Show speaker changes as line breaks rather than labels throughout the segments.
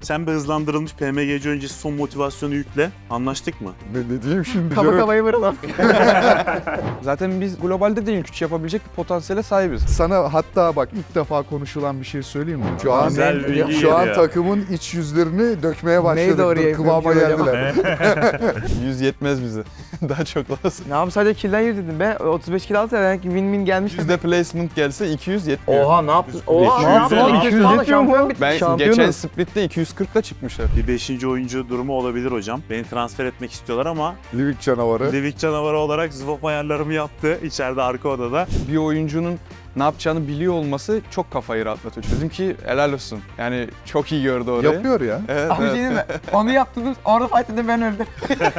Sen bir hızlandırılmış PMGC öncesi son motivasyonu yükle. Anlaştık mı?
Ne diyeyim şimdi?
Kaba kafayı vuralım.
Zaten biz globalde de ilk 3 yapabilecek bir potansiyele sahibiz.
Sana hatta bak ilk defa konuşulan bir şey söyleyeyim mi?
Güzel bir bilgi
Şu an
geliyor.
takımın iç yüzleri dökmeye
Neyi
başladı.
doğru
Kıvama
yapıyorum ki
geldiler.
100 yetmez bize. Daha çok lazım.
Ne yapayım, sadece kill'den yürü dedim be. 35 kill alsa belki win gelmiş.
Yüzde placement gelse 200 yetmiyor.
Oha ne yaptın? Oha ne
200
yaptın?
ya.
200 falan şampiyon bitti.
Ben
Şampiyonuz.
geçen splitte 240'la çıkmışlar.
Bir 5. oyuncu durumu olabilir hocam. Beni transfer etmek istiyorlar ama
Livik canavarı.
Livik canavarı olarak Zwolf ayarlarımı yaptı içeride arka odada.
Bir oyuncunun ne yapacağını biliyor olması çok kafayı rahatlatıyor. Dedim ki helal olsun. Yani çok iyi gördü orayı.
Yapıyor ya.
Evet,
Abi
evet.
şey değil mi? Onu yaptınız, orada fight edin ben öldüm.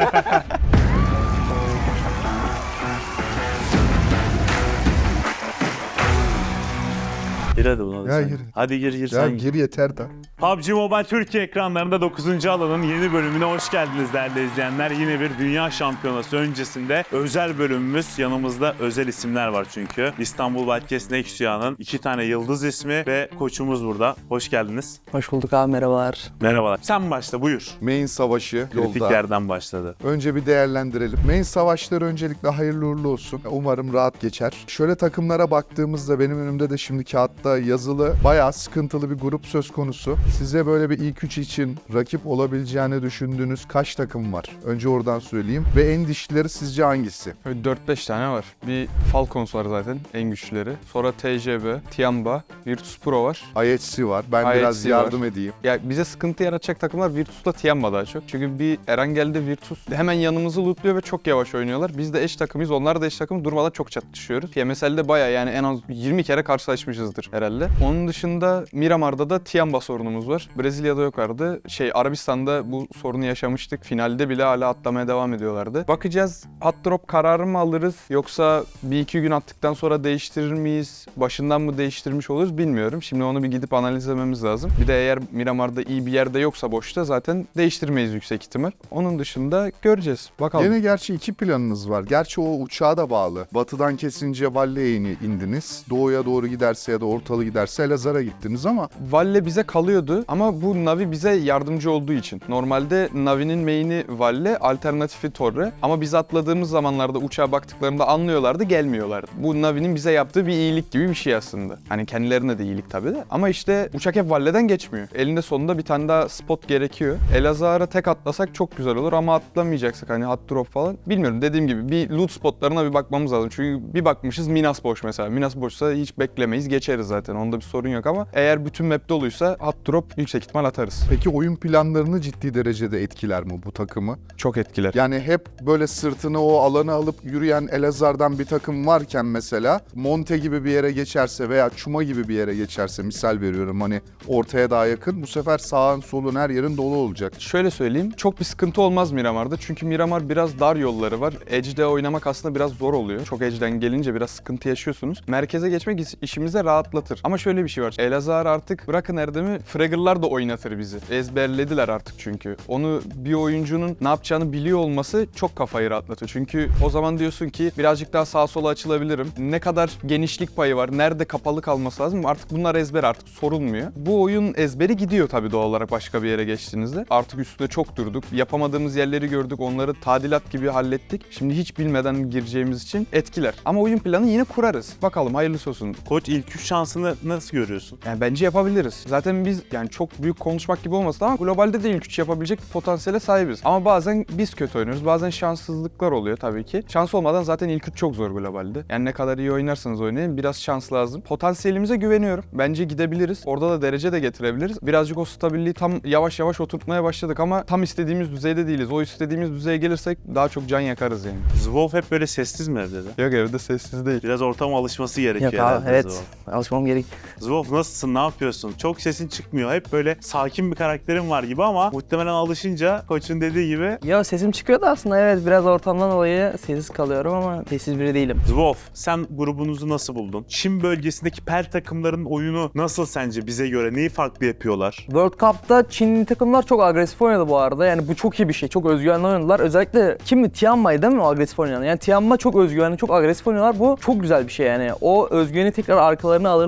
Gir hadi buna da
Ya
sen.
gir.
Hadi gir
Ya
sen.
gir yeter da.
PUBG Mobile Türkiye ekranlarında 9. alanın yeni bölümüne hoş geldiniz değerli izleyenler. Yine bir dünya şampiyonası öncesinde özel bölümümüz. Yanımızda özel isimler var çünkü. İstanbul Wildcats Nextia'nın 2 tane yıldız ismi ve koçumuz burada. Hoş geldiniz.
Hoş bulduk abi, merhabalar.
Merhabalar. Sen başla buyur.
Main savaşı
Kritik
yolda.
yerden başladı.
Önce bir değerlendirelim. Main savaşları öncelikle hayırlı uğurlu olsun. Umarım rahat geçer. Şöyle takımlara baktığımızda benim önümde de şimdi kağıtta yazılı bayağı sıkıntılı bir grup söz konusu. Size böyle bir ilk 3 için rakip olabileceğini düşündüğünüz kaç takım var? Önce oradan söyleyeyim. Ve en dişlileri sizce hangisi?
Böyle 4-5 tane var. Bir Falcons var zaten en güçlüleri. Sonra TJB, Tiamba, Virtus Pro var.
IHC var. Ben
IHC
biraz
var.
yardım edeyim.
Ya bize sıkıntı yaratacak takımlar Virtus'la Tiamba daha çok. Çünkü bir Erangel'de Virtus hemen yanımızı lootluyor ve çok yavaş oynuyorlar. Biz de eş takımıyız, onlar da eş takım, durmadan çok çatışıyoruz. PMSL'de bayağı yani en az 20 kere karşılaşmışızdır herhalde. Onun dışında Miramar'da da Tiamba sorunumuz var. Brezilya'da yok vardı. Arabistan'da bu sorunu yaşamıştık. Finalde bile hala atlamaya devam ediyorlardı. Bakacağız, hot drop kararı mı alırız yoksa bir iki gün attıktan sonra değiştirir miyiz? Başından mı değiştirmiş oluruz bilmiyorum. Şimdi onu bir gidip analizlememiz lazım. Bir de eğer Miramar'da iyi bir yerde yoksa boşta zaten değiştirmeyiz yüksek ihtimal. Onun dışında göreceğiz. Bakalım.
Yine gerçi 2 planınız var. Gerçi o uçağa da bağlı. Batıdan kesince Valle'ye indiniz. Doğuya doğru giderse ya da ortalı giderse Elazığ'a gittiniz ama
Valle bize kalıyordu ama bu Navi bize yardımcı olduğu için. Normalde Navi'nin main'i Valle, alternatifi Torre. Ama biz atladığımız zamanlarda uçağa baktıklarında anlıyorlardı, gelmiyorlardı. Bu Navi'nin bize yaptığı bir iyilik gibi bir şey aslında. Hani kendilerine de iyilik tabii de. Ama işte uçak hep Valle'den geçmiyor. Elinde sonunda bir tane daha spot gerekiyor. Elazığ'a tek atlasak çok güzel olur ama atlamayacaksak hani hot drop falan. Bilmiyorum, dediğim gibi bir loot spotlarına bir bakmamız lazım. Çünkü bir bakmışız Minas boş mesela. Minas boşsa hiç beklemeyiz, geçeriz zaten. Onda bir sorun yok ama eğer bütün map doluysa hot drop yüksek ihtimal atarız.
peki oyun planlarını ciddi derecede etkiler mi bu takımı?
Çok etkiler.
Yani hep böyle sırtını o alana alıp yürüyen Elazığ'dan bir takım varken mesela Monte gibi bir yere geçerse veya Çuma gibi bir yere geçerse, misal veriyorum hani ortaya daha yakın, bu sefer sağın solun her yerin dolu olacak.
Şöyle söyleyeyim, çok bir sıkıntı olmaz Miramar'da. Çünkü Miramar biraz dar yolları var. Edge'de oynamak aslında biraz zor oluyor. Çok Edge'den gelince biraz sıkıntı yaşıyorsunuz. Merkeze geçmek işimize rahatlatır. Ama şöyle bir şey var. Elazığ artık bırakın Erdem'i, Fragger'lar da oynatır bizi. Ezberlediler artık çünkü. Onu bir oyuncunun ne yapacağını biliyor olması çok kafayı rahatlatıyor. Çünkü o zaman diyorsun ki birazcık daha sağa sola açılabilirim. Ne kadar genişlik payı var, nerede kapalı kalması lazım. Artık bunlar ezber, artık sorulmuyor. Bu oyun ezberi gidiyor tabii doğal olarak başka bir yere geçtiğinizde. Artık üstüne çok durduk. Yapamadığımız yerleri gördük. Onları tadilat gibi hallettik. Şimdi hiç bilmeden gireceğimiz için etkiler. Ama oyun planı yine kurarız. Bakalım hayırlısı olsun.
Koç ilk 3 şansını nasıl görüyorsun?
Yani bence yapabiliriz. Zaten biz yani çok büyük konuşmak gibi olmasın ama globalde de ilk 3 yapabilecek bir potansiyele sahibiz. Ama bazen biz kötü oynuyoruz. Bazen şanssızlıklar oluyor tabii ki. Şans olmadan zaten ilk 3 çok zor globalde. Yani ne kadar iyi oynarsanız oynayın biraz şans lazım. Potansiyelimize güveniyorum. Bence gidebiliriz. Orada da derece de getirebiliriz. Birazcık o stabilliği tam yavaş yavaş oturtmaya başladık ama tam istediğimiz düzeyde değiliz. O istediğimiz düzeye gelirsek daha çok can yakarız yani.
Zwolf hep böyle sessiz mi evde de?
Yok, evde sessiz değil.
Biraz ortama alışması gerekiyor
Yok abi,
herhalde
evet.
Zwolf.
Alışmam gerek.
Zwolf nasılsın, ne yapıyorsun? Çok sesin çıkmıyor. Hep böyle sakin bir karakterin var gibi ama muhtemelen alışınca koçun dediği gibi.
Ya sesim çıkıyor da aslında, evet, biraz ortamdan dolayı sessiz kalıyorum ama sessiz biri değilim.
Zwolf, sen grubunuzu nasıl buldun? Çin bölgesindeki PEL takımların oyunu nasıl sence bize göre? Neyi farklı yapıyorlar?
World Cup'ta Çinli takımlar çok agresif oynadı bu arada. Yani bu çok iyi bir şey. Çok özgüvenli oynadılar. Özellikle kimdi? Tianma'yı değil mi o agresif oynayan? Yani Tianma çok özgüvenli, çok agresif oynuyorlar. Bu çok güzel bir şey yani. O özgüveni tekrar arkalarına alırlar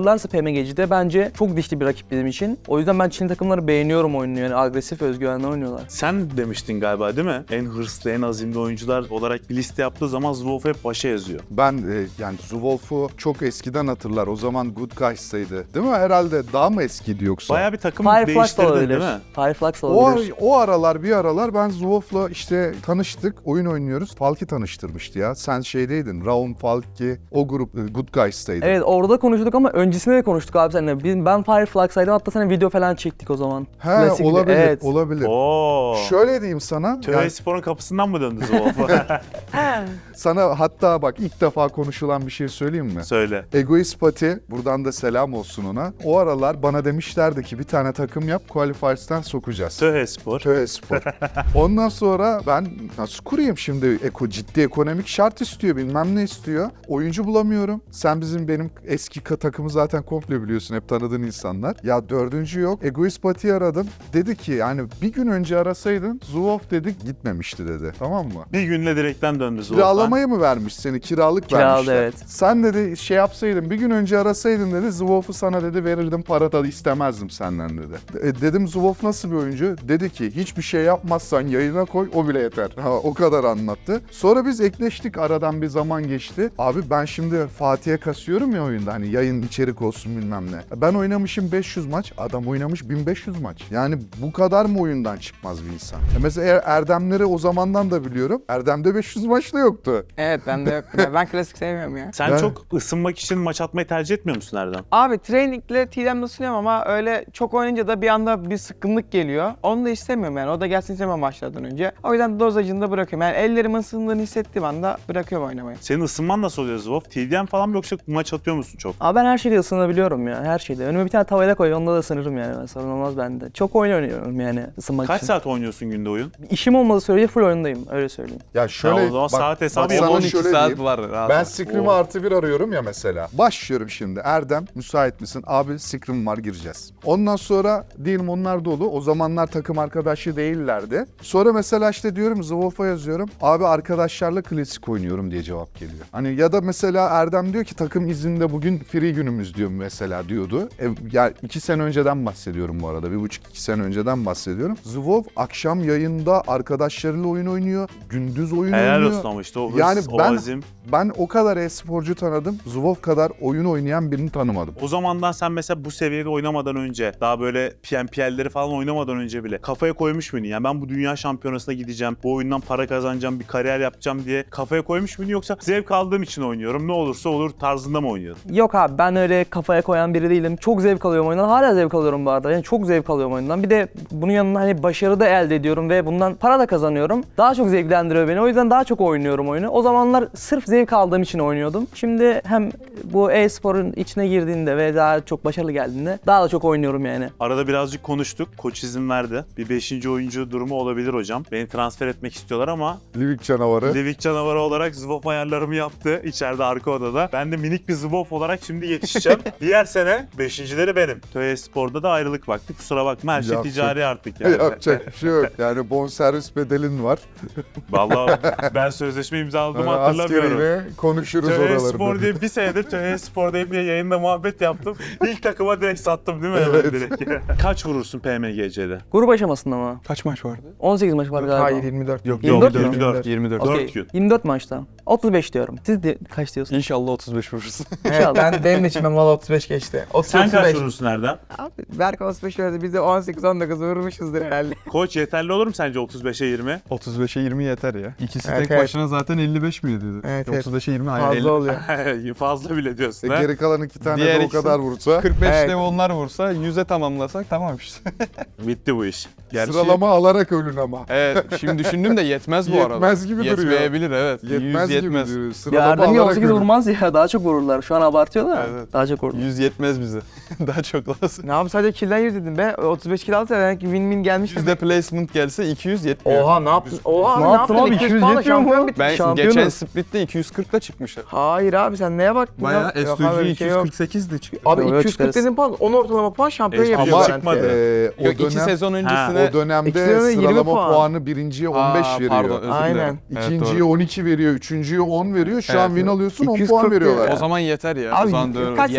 alırlarsa PMG'de bence çok dişli bir rakip bizim için. O yüzden ben Çinli takımları beğeniyorum oyununu, yani agresif, özgüvenli oynuyorlar.
Sen demiştin galiba değil mi? En hırslı, en azimli oyuncular olarak bir liste yaptığı zaman Zwolf hep başa yazıyor.
Ben yani Zwolf'u çok eskiden hatırlar. O zaman Good Guys'taydı. Değil mi? Herhalde daha mı eskiydi yoksa?
Bayağı bir takım
Fireflux da
değiştirdin
olabilir.
değil mi?
Fireflux da
O,
olabilir.
o aralar bir aralar ben Zwolf'la işte tanıştık, oyun oynuyoruz. Falki tanıştırmıştı ya. Sen şeydeydin, Raum Falki, o grup Good Guys'taydı.
Evet, orada konuştuk ama öncesinde de konuştuk abi seninle. Ben Fireflux'aydım, hatta seninle video falan çektik o zaman.
He,
Klasik bir-
olabilir,
evet.
olabilir.
Oo.
Şöyle diyeyim sana,
Töre
yani
Spor'un kapısından mı döndü Zwolf?
sana hatta bak ilk defa konuşulan bir şey söyleyeyim mi?
Söyle.
Egoist Pati, buradan da selam olsun ona. O aralar bana demişlerdi ki bir tane takım yap, Qualifiers'ten sokacağız.
Töre Spor.
Töre Spor. Ondan sonra ben nasıl kurayım şimdi, ciddi ekonomik şart istiyor, bilmem ne istiyor. Oyuncu bulamıyorum. Sen benim eski takımı zaten komple biliyorsun, hep tanıdığın insanlar. Ya dördüncü yok. Egoist Pati'yi aradım. Dedi ki yani bir gün önce arasaydın Zwolf dedik gitmemişti dedi. Tamam mı?
Bir günle direkten döndü Zwolf'tan.
Kiralamayı mı vermiş seni? Kiralık
Kiralı,
vermişler.
evet.
Sen dedi şey yapsaydın, bir gün önce arasaydın dedi, Zwolf'u sana dedi verirdim, para da istemezdim senden dedi. Dedim Zwolf nasıl bir oyuncu? Dedi ki hiçbir şey yapmazsan yayına koy, o bile yeter. Ha, o kadar anlattı. Sonra biz ekleştik, aradan bir zaman geçti. Abi ben şimdi Fatih'e kasıyorum ya oyunda, hani yayın içerik olsun bilmem ne. Ben oynamışım 500 maç, adam oynamış 1500 maç. Yani bu kadar mı oyundan çıkmaz bir insan? Mesela Erdemleri o zamandan da biliyorum. Erdem'de 500 maç da yoktu.
Evet bende yok. Ben klasik sevmiyorum ya.
Sen
Ben-
çok ısınmak için maç atmayı tercih etmiyor musun Erdem?
Abi trainingle TDM'de ısınıyorum ama öyle çok oynayınca da bir anda bir sıkkınlık geliyor. Onu da istemiyorum yani. O da gelsin istemem maçlardan önce. O yüzden dozajını da bırakıyorum. Yani ellerimin ısındığını hissettiğim anda bırakıyorum oynamayı.
Senin ısınman nasıl oluyor Zwolf? TDM falan mı yoksa maç atıyor musun çok?
Ama ben her şeyde ısınabiliyorum ya, her şeyde. Önüme bir tane tavayla koy, onda da ısınırım yani. Ben, sorun olmaz bende. Çok oyun oynuyorum yani ısınmak
Kaç
için.
saat oynuyorsun günde oyun?
İşim olmadığı sürece full oyundayım, öyle söyleyeyim.
Ya şöyle
o zaman saat hesabı
bak
yap.
sana
12
şöyle
saat
diyeyim.
var. Rahat
Ben
ol.
Scrim'i artı bir arıyorum ya mesela. Başlıyorum şimdi. Erdem müsait misin? Abi Scrim var, gireceğiz. Ondan sonra diyelim onlar dolu. O zamanlar takım arkadaşı değillerdi. Sonra mesela işte diyorum Zwolf'a yazıyorum. Abi arkadaşlarla klasik oynuyorum diye cevap geliyor. Hani ya da mesela Erdem diyor ki takım izinde bugün free günümüz diyor mesela diyordu. Ya 2 sene önceden bahsediyorum bu arada. 1,5-2 sene önceden bahsediyorum. Zwolf akşam yayında arkadaşlarıyla oyun oynuyor. Gündüz oyun
Helal
oynuyor.
olsun ama işte o hırs,
Yani
o
ben
azim.
Ben o kadar e-sporcu tanıdım. Zwolf kadar oyun oynayan birini tanımadım.
O zamandan sen mesela bu seviyede oynamadan önce, daha böyle PNPL'leri falan oynamadan önce bile kafaya koymuş muydun? Yani ben bu dünya şampiyonasına gideceğim, bu oyundan para kazanacağım, bir kariyer yapacağım diye kafaya koymuş muydun? Yoksa zevk aldığım için oynuyorum, ne olursa olur tarzında mı oynuyordun?
Yok abi, ben öyle kafaya koyan biri değilim. Çok zevk alıyorum oyundan. Hala zevk alıyorum bu arada. Yani çok zevk alıyorum oyundan. Bir de bunun yanında hani başarı da elde ediyorum ve bundan para da kazanıyorum. Daha çok zevklendiriyor beni. O yüzden daha çok oynuyorum oyunu. O zamanlar sırf zevk aldığım için oynuyordum. Şimdi hem bu e-sporun içine girdiğinde ve daha çok başarılı geldiğinde daha da çok oynuyorum yani.
Arada birazcık konuştuk, koç izin verdi. Bir 5. oyuncu durumu olabilir hocam. Beni transfer etmek istiyorlar ama
Livik canavarı.
Livik canavarı olarak Zwolf ayarlarımı yaptı içeride arka odada. Ben de minik bir Zwolf olarak şimdi yetişeceğim. Diğer sene 5.'leri benim. TÖE Spor'da da ayrılık vakti. Kusura bakma, her şey
Yapacak-
ticari artık yani.
Yapacak bir şey yok. Yani bonservis bedelin var.
Vallahi ben sözleşme imzaladığımı hatırlamıyorum.
Askeriyle konuşuruz
TÖE
oralarını.
Spor diye bir senedir TÖE Spor diye bir yayında muhabbet yaptım. İlk takıma direkt sattım değil mi?
Evet.
Direkt. Kaç vurursun PMGC'de?
Grup aşamasında mı?
Kaç maç vardı?
18 maç var galiba.
Hayır 24.
Yok
24 mü?
24.
24.
Okey,
4 gün.
24 maçta. 35 diyorum. Siz de kaç diyorsunuz?
İnşallah 35 vurursun.
Evet, benim de içimden valla 35 geçti. 30,
Sen kaç
35.
vurursun Erdem?
Abi Berk 35 verdi. Biz de 18-19 vurmuşuzdur herhalde.
Koç yeterli olur mu sence 35'e 20?
35'e 20 yeter ya. İkisi
Evet,
tek
evet.
başına zaten 55 miydi?
Evet, evet.
35'e 20 hayır.
Fazla oluyor.
Fazla bile diyorsun ha?
Geri kalan 2 tane
Diğer
de o
ikisi-
kadar vursa
45
Evet.
de onlar vursa 100'e tamamlasak tamam işte.
Bitti bu iş. Gerçi
sıralama alarak ölün ama.
Evet şimdi düşündüm de yetmez bu arada.
Yetmez gibi duruyor.
Yetmeyebilir evet.
Yetmez
100
gibi
yetmez.
duruyor.
Ya
Sıralama
Erdem
alarak
18
ölün.
vurmaz ya, daha çok vururlar. Şu an abartıyorlar.
Evet.
Daha çok vururlar.
100 yetmez bize. Daha çok lazım.
Ne yapayım, sadece kill'den yürü dedim be. 35 kill alsa demek ki win-win gelmiş.
Yüzde placement gelse 200 yetmiyor.
Oha ne yaptın? Oha
Ne
ne
yaptın
yaptın?
abi?
200
200
puanla
yetmiyor mu?
şampiyon bitti.
Ben
Şampiyonuz.
geçen split'te 240'la çıkmışlar.
Hayır abi sen neye baktın?
Bayağı
ya? Yok abi, öyle
S2G
bir şey yok.
248'de çıktı.
Abi
Yok,
240
çıkarız.
dedin puan, 10 ortalama puan şampiyon
Ama
yapıyor.
Ama
garanti.
çıkmadı.
o
Yok 2
dönem
sezon öncesine...
o dönemde
İkisine de 20
sıralama
puan.
puanı birinciye 15
Aa,
veriyor.
Pardon özür
Aynen.
dilerim. Evet,
İkinciye
doğru.
12 veriyor, üçüncüye 10 veriyor. Şu an
Evet.
win alıyorsun 10
240
puan veriyorlar.
O zaman yeter ya.
Abi,
o zaman doğru.
kaç sene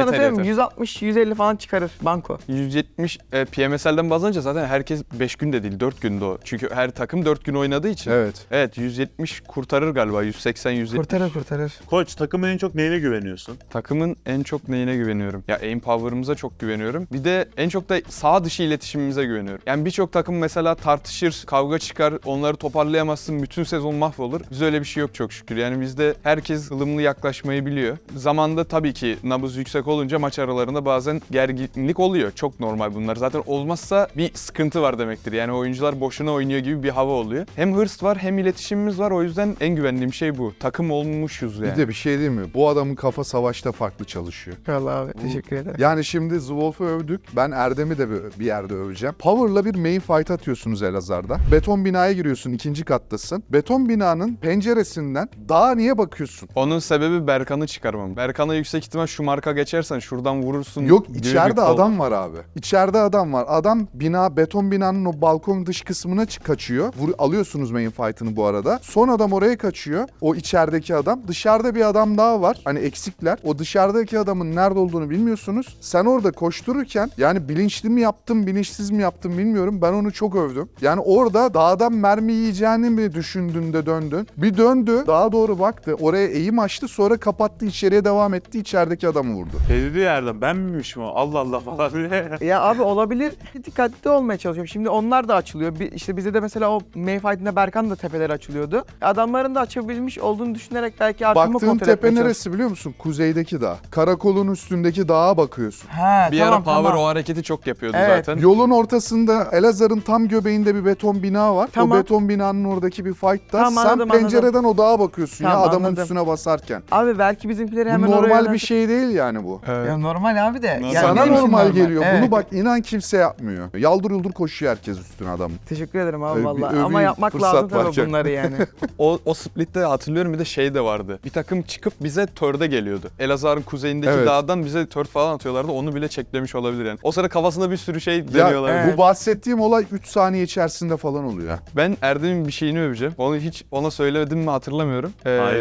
sana
Yeter,
söyleyeyim mi?
yeter.
160-150 falan çıkarır banko.
170 PMSL'den baz alınca zaten herkes 5 günde değil 4 günde o. Çünkü her takım 4 gün oynadığı için.
Evet.
Evet 170 kurtarır galiba 180-170.
Kurtarır.
Koç, takımın en çok neyine güveniyorsun?
Takımın en çok neyine güveniyorum? Ya aim power'ımıza çok güveniyorum. Bir de en çok da sağ dışı iletişimimize güveniyorum. Yani birçok takım mesela tartışır, kavga çıkar, onları toparlayamazsın, bütün sezon mahvolur. Biz öyle bir şey yok çok şükür. Yani bizde herkes ılımlı yaklaşmayı biliyor. Zamanda tabii ki nabız yüksek olunca maç aralarında bazen gerginlik oluyor. Çok normal bunlar. Zaten olmazsa bir sıkıntı var demektir. Yani oyuncular boşuna oynuyor gibi bir hava oluyor. Hem hırs var hem iletişimimiz var. O yüzden en güvendiğim şey bu. Takım olmuşuz yani.
Bir de bir şey değil mi? Bu adamın kafa savaşta farklı çalışıyor.
Vallahi abi teşekkür ederim.
Yani şimdi Zwolf'u övdük. Ben Erdem'i de bir yerde öveceğim. Power'la bir main fight atıyorsunuz Elazığ'da. Beton binaya giriyorsun, 2. kattasın. Beton binanın penceresinden dağa niye bakıyorsun?
Onun sebebi Berkan'ı çıkarmam. Berkan'a yüksek ihtimal şu marka geçersen şuradan vurursun.
Yok,
gibi bir
içeride
kol.
adam var abi. İçeride adam var. Adam beton binanın o balkon dış kısmına kaçıyor. Alıyorsunuz main fight'ını bu arada. Son adam oraya kaçıyor. O içerideki adam. Dışarıda bir adam daha var. Hani eksikler. O dışarıdaki adamın nerede olduğunu bilmiyorsunuz. Sen orada koştururken yani bilinçli mi yaptım, bilinçsiz mi yaptım bilmiyorum. Ben onu çok övdüm. Yani orada dağdan mermi yiyeceğini mi düşündün de döndün? Bir döndü. Dağa doğru baktı. Oraya eğim açtı. Sonra kapattı. İçeriye devam etti. İçerideki adamı vurdu.
Dedi yerden ben miymişim o? Allah Allah falan diye.
Ya abi olabilir. Dikkatli olmaya çalışıyorum. Şimdi onlar da açılıyor. İşte bize de mesela o main fight'inde Berkan da tepeleri açılıyordu. Adamların da açabilmiş olduğunu düşünerek belki arkamı
Baktığın
kontrol
tepe
etmeye çalışıyorum.
neresi biliyor musun? Kuzeydeki dağ. Karakolun üstündeki dağa bakıyorsun.
He,
Bir ara Power o hareketi çok yapıyordu
Evet.
zaten.
Yolun ortasında Elazığ'ın tam göbeğinde bir beton bina var.
Tamam.
O beton binanın oradaki bir fight'ta
Tamam,
sen
anladım,
pencereden o dağa bakıyorsun
Tamam,
ya adamın
anladım.
üstüne basarken.
Abi belki bizimkileri
Bu
hemen oraya
normal bir
yöneltir-
şey değil yani bu.
Ya normal abi de.
Nasıl?
Yani
Sana
benim için
normal geliyor.
Evet.
Bunu bak inan kimse yapmıyor. Yaldır yuldur koşuyor herkes üstüne adamın.
Teşekkür ederim abi
Bir
vallahi.
öveyim,
Ama yapmak
fırsat
lazım tabii
varken.
bunları yani.
O splitte hatırlıyorum bir de şey de vardı. Bir takım çıkıp bize törde geliyordu. Elazığ'ın kuzeyindeki
Evet.
dağdan bize tör falan atıyorlardı. Onu bile çeklemiş olabilir yani. O sıra kafasında bir sürü şey
Ya
deniyorlar.
evet.
bu bahsettiğim olay 3 saniye içerisinde falan oluyor.
Ben Erdem'in bir şeyini öveceğim. Onu hiç ona söylemedim mi hatırlamıyorum.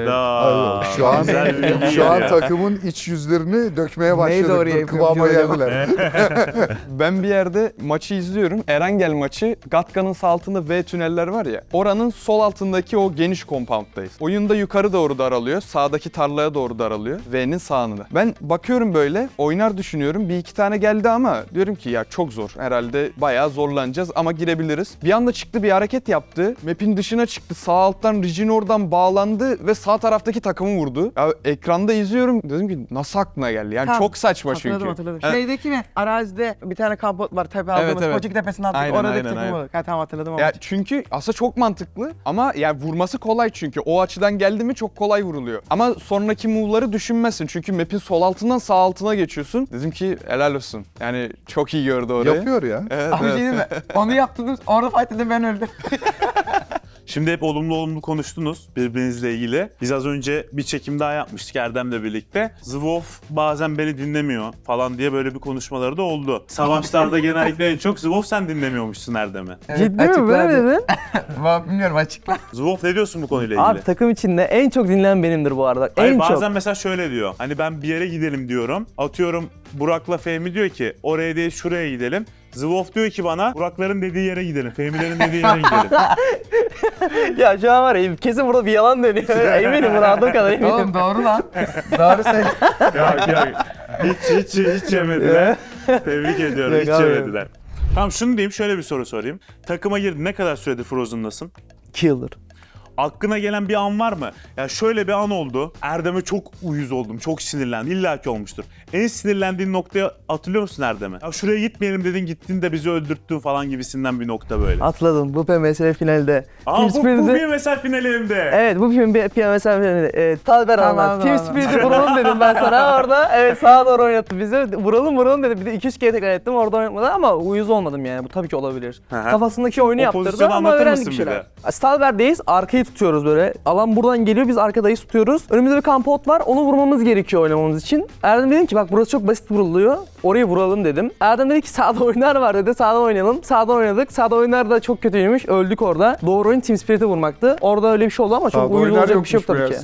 Hayda.
Şu an
Güzel bir bilgi
şu an
ya.
takımın iç yüzlerini dökmeye
Neydi
başladık.
oraya
Dur, kıvama
yapıyorum
geldiler.
Ben bir yerde maçı izliyorum. Erangel maçı. Gatka'nın sağ altında V tüneller var ya. Oranın sol altındaki o geniş compound'dayız. Oyunda yukarı doğru daralıyor. Sağdaki tarlaya doğru daralıyor. V'nin sağında. Ben bakıyorum böyle. Oynar düşünüyorum. Bir iki tane geldi ama diyorum ki ya çok zor. Herhalde bayağı zorlanacağız ama girebiliriz. Bir anda çıktı bir hareket yaptı. Map'in dışına çıktı. Sağ alttan Rigin oradan bağlandı ve sağ taraftaki takımı vurdu. Ya ekranda izliyorum. Dedim ki nasıl aklına geldi? Yani
Tamam.
çok saçma çünkü.
Hatırladım.
Evet.
Şeydeki mi? Arazide bir tane kampot var tepe aldığımız.
evet.
Koçuk tepesine attık.
Aynen,
Oradaki
aynen,
takım
aynen.
olur. Ha tamam hatırladım ama.
Ya çünkü aslında çok mantıklı ama yani vurması kolay çünkü. O açıdan geldi mi çok kolay vuruluyor. Ama sonraki move'ları düşünmezsin. Çünkü map'in sol altından sağ altına geçiyorsun. Dedim ki helal olsun. Yani çok iyi gördü orayı.
Yapıyor ya.
Evet,
Abi
evet.
şey değil mi? Onu yaptınız. Orada fight edin ben öldüm.
Şimdi hep olumlu konuştunuz birbirinizle ilgili. Biz az önce bir çekim daha yapmıştık Erdem'le birlikte. Zwolf bazen beni dinlemiyor falan diye böyle bir konuşmaları da oldu. Savaşlarda genellikle en çok Zwolf sen dinlemiyormuşsun Erdem'i.
Ciddi mi? Böyle mi dedin?
Bilmiyorum açıkla.
Zwolf ne diyorsun bu konuyla ilgili?
Abi takım içinde en çok dinlenen benimdir bu arada.
Hayır,
En
bazen
çok.
mesela şöyle diyor. Hani ben bir yere gidelim diyorum. Atıyorum Burak'la Fehmi diyor ki oraya değil şuraya gidelim. Zwolf diyor ki bana Burak'ların dediği yere gidelim. Fehmi'lerin dediği yere gidelim.
Ya şu an var ya kesin burada bir yalan dönüyor. Eminim buna adım kadar eminim.
Oğlum doğru lan. Doğru söyle.
Yok. Hiç yemediler. Tebrik ediyorum.
Yok
Hiç
abi.
yemediler. Tamam şunu diyeyim şöyle bir soru sorayım. Takıma girdin ne kadar süredir Frozen'dasın?
Killer.
Aklına gelen bir an var mı? Ya şöyle bir an oldu. Erdem'e çok uyuz oldum. Çok sinirlendim. İlla ki olmuştur. En sinirlendiğin noktayı hatırlıyor musun Erdem'e? Ya şuraya gitmeyelim dedin gittin de bizi öldürttün falan gibisinden bir nokta böyle.
Atladım bu PMSL finalde.
Aa
Team
bu
Spirit'i-
bir mesel finalinde.
Evet bu film bir PMSL finalinde. Talber
Tamam,
anlat. Team
tamam.
Spirit'i vuralım dedim ben sana orada. Evet sağa doğru oynattı bizi. Vuralım dedim. Bir de 2-3 kere tekrar ettim orada oynatmadı ama uyuz olmadım yani. Bu tabii ki olabilir.
Hı hı.
Kafasındaki oyunu
O
yaptırdı
pozisyonu
ama
anlatır
öğrendik bir
mısın bir
şeyler. Stalber'deyiz. Arkayı tutuyoruz böyle. Alan buradan geliyor. Biz arkadayız tutuyoruz. Önümüzde bir kampot var. Onu vurmamız gerekiyor oynamamız için. Erdem dedim ki bak burası çok basit vuruluyor. Orayı vuralım dedim. Erdem dedi ki sağda oyunlar var dedi. Sağdan oynayalım. Sağdan oynadık. Sağda oyunlar da çok kötüymüş. Öldük orada. Doğru oyun Team Spirit'i vurmaktı. Orada öyle bir şey oldu ama çok uyumlu olacak bir şey yok tabii ki.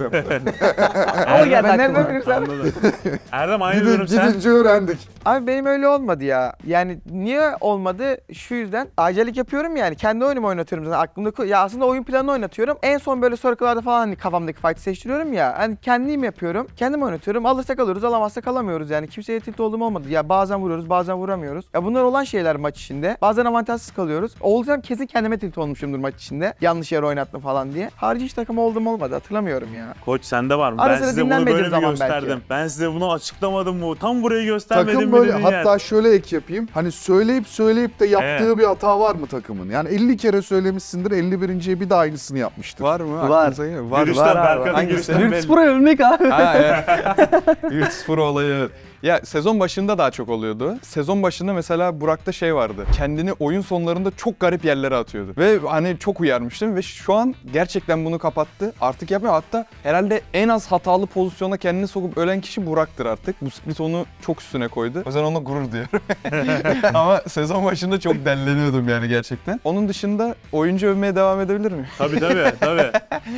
Ama geldi
Ben nereden
aklıma.
bilirsem.
Anladım. Erdem aynı durum sen.
Gidince öğrendik.
Abi benim öyle olmadı ya. Yani niye olmadı? Şu yüzden acellik yapıyorum yani. Kendi oyunumu oynatıyorum zaten aklımda. Ya aslında oyun planını oynatıyorum. En son böyle circle'larda falan hani kafamdaki fight'ı seçtiriyorum ya. Hani kendim yapıyorum. Kendim oynatıyorum. Alırsak alıyoruz, alamazsak alamıyoruz yani. Kimseye tilt olduğum olmadı. Ya bazen vuruyoruz, bazen vuramıyoruz. Ya bunlar olan şeyler maç içinde. Bazen avantajsız kalıyoruz. Olsam kesin kendime tilt olmuşumdur maç içinde. Yanlış yere oynattım falan diye. Harici hiç takım oldum olmadı. Hatırlamıyorum ya.
Koç sende var mı?
Ara
Ben
sıra
size bunu
dinlenmediğim
böyle mi
zaman
gösterdim?
belki.
Ben size bunu açıklamadım mı? Tam burayı göstermedim
Takım
mi
böyle,
dedin
hatta
yani.
şöyle ek yapayım. Hani söyleyip de yaptığı bir hata var mı takımın? Yani 50 kere söylemişsindir, 51.ye bir daha aynısını yapmıştır.
Var mı?
Var.
Aklınıza geliyor. Var.
Girişten
var.
Berkan'ın
Hangisi?
girişten belli.
Virtus Pro'ya ölmek abi.
Ha evet. Virtus Pro olayı evet. Ya sezon başında daha çok oluyordu. Sezon başında mesela Burak'ta şey vardı. Kendini oyun sonlarında çok garip yerlere atıyordu. Ve hani çok uyarmıştım ve şu an gerçekten bunu kapattı. Artık yapmıyor. Hatta herhalde en az hatalı pozisyona kendini sokup ölen kişi Burak'tır artık. Bu split onu çok üstüne koydu. O yüzden onunla gurur duyuyorum. Ama sezon başında çok delleniyordum yani gerçekten. Onun dışında oyuncu övmeye devam edebilir miyim?
Tabii tabii.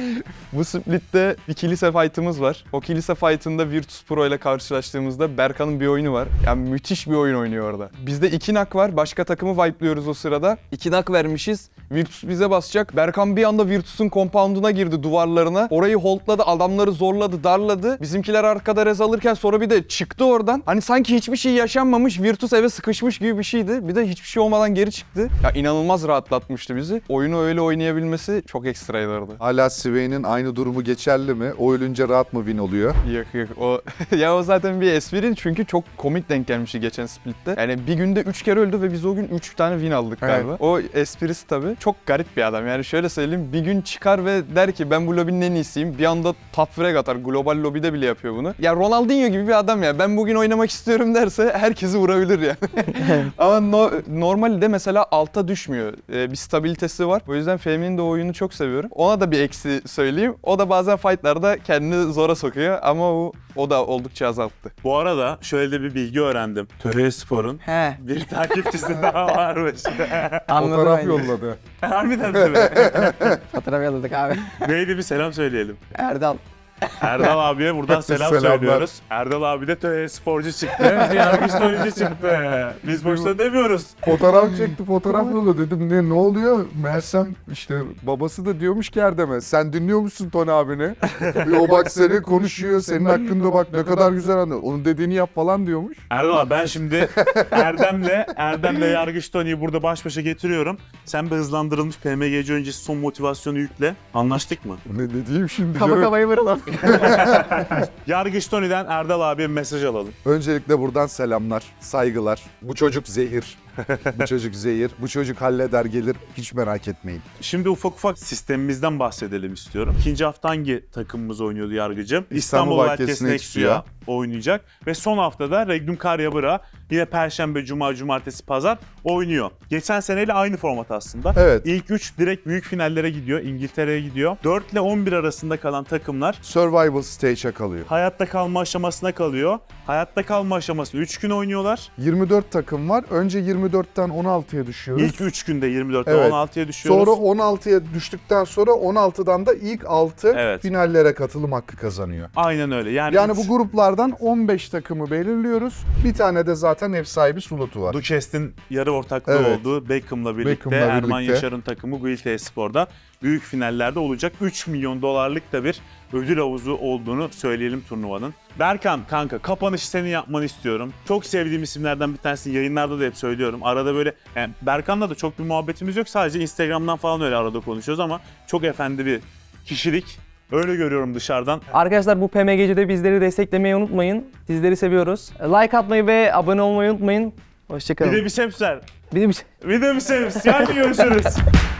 Bu split'te bir kilise fight'ımız var. O kilise fight'ında Virtus Pro ile karşılaştığımızda Berkan'ın bir oyunu var. Yani müthiş bir oyun oynuyor orada. Bizde 2 nak var. Başka takımı wipe'lıyoruz o sırada. 2 nak vermişiz. Virtus bize basacak. Berkan bir anda Virtus'un compound'una girdi, duvarlarına. Orayı holdladı, adamları zorladı, darladı. Bizimkiler arkada rez alırken sonra bir de çıktı oradan. Hani sanki hiçbir şey yaşanmamış, Virtus eve sıkışmış gibi bir şeydi. Bir de hiçbir şey olmadan geri çıktı. Ya inanılmaz rahatlatmıştı bizi. Oyunu öyle oynayabilmesi çok ekstraydı orada.
Hala Swain'in aynı durumu geçerli mi? O ölünce rahat mı win oluyor?
Yok. O ya o zaten bir espri çünkü çok komik denk gelmişti geçen splitte. Yani bir günde 3 kere öldü ve biz o gün 3 tane win aldık galiba.
Evet.
O esprisi tabii çok garip bir adam. Yani şöyle söyleyeyim, bir gün çıkar ve der ki ben bu lobinin en iyisiyim. Bir anda top frag atar. Global lobide bile yapıyor bunu. Ya Ronaldinho gibi bir adam ya. Ben bugün oynamak istiyorum derse herkesi vurabilir yani. Ama normalde mesela alta düşmüyor. Bir stabilitesi var. O yüzden Fehmi'nin de oyunu çok seviyorum. Ona da bir eksi söyleyeyim. O da bazen fightlarda kendini zora sokuyor ama o da oldukça azalttı.
Bu arada şöyle de bir bilgi öğrendim. Töre Spor'un
He.
bir takipçisi daha varmış.
Anladım.
Fotoğraf
bence.
yolladı.
Harbiden mi?
Fotoğraf yolladık abi.
Neydi bir selam söyleyelim.
Erdal.
Erdal abiye buradan selam
Selamlar.
söylüyoruz. Erdal abi de töre sporcu çıktı. Bir yargıç oyuncu çıktı. Biz boşuna demiyoruz.
Fotoğraf çekti, fotoğraf yolladı. Dedim ne oluyor? Meğersem işte babası da diyormuş ki Erdem'e, sen dinliyor musun Tony abini? O bak seni konuşuyor, senin hakkında bak ne kadar güzel anlıyor. Onun dediğini yap falan diyormuş.
Erdal abi ben şimdi Erdem'le yargıç Tony'yi burada baş başa getiriyorum. Sen bir hızlandırılmış PMGC öncesi son motivasyonu yükle. Anlaştık mı?
Ne diyeyim şimdi
Kafa
canım?
kafayı vuralım.
Yargıç Tony'den Erdal abiye mesaj alalım.
Öncelikle buradan selamlar, saygılar. Bu çocuk zehir. Bu çocuk zehir. Bu çocuk halleder gelir. Hiç merak etmeyin.
Şimdi ufak sistemimizden bahsedelim istiyorum. İkinci hafta hangi takımımız oynuyordu yargıcım?
İstanbul
Valkes
Valkes
Nexu'ya oynayacak. Ve son haftada Regnum Karyabıra yine Perşembe, Cuma, Cumartesi, Pazar oynuyor. Geçen seneyle aynı format aslında.
Evet.
İlk 3 direkt büyük finallere gidiyor. İngiltere'ye gidiyor. 4 ile 11 arasında kalan takımlar
Survival stage'e kalıyor.
hayatta kalma aşamasına kalıyor. Hayatta kalma aşamasını 3 gün oynuyorlar.
24 takım var. Önce 24'ten 16'ya düşüyoruz.
İlk 3 günde 24'te
Evet.
16'ya düşüyoruz.
Sonra 16'ya düştükten sonra 16'dan da ilk 6
Evet.
finallere katılım hakkı kazanıyor.
Aynen öyle.
Yani bu gruplardan 15 takımı belirliyoruz. Bir tane de zaten ev sahibi slotu var.
Duchesne'in yarı ortaklığı
Evet.
olduğu Beckham'la birlikte
Beckham'la
Erman
birlikte.
Yaşar'ın takımı Guild Espor'da büyük finallerde olacak. 3 milyon dolarlık da bir ödül havuzu olduğunu söyleyelim turnuvanın. Berkan kanka kapanışı senin yapmanı istiyorum. Çok sevdiğim isimlerden bir tanesini yayınlarda da hep söylüyorum. Arada böyle yani Berkan'la da çok bir muhabbetimiz yok. Sadece Instagram'dan falan öyle arada konuşuyoruz ama çok efendi bir kişilik. Öyle görüyorum dışarıdan.
Arkadaşlar bu PMGC'de bizleri desteklemeyi unutmayın. Sizleri seviyoruz. Like atmayı ve abone olmayı unutmayın.
Bir
Hoşçakalın.
de bir semser.
Bir de bir şey.
Bir de bir semser. Hadi görüşürüz.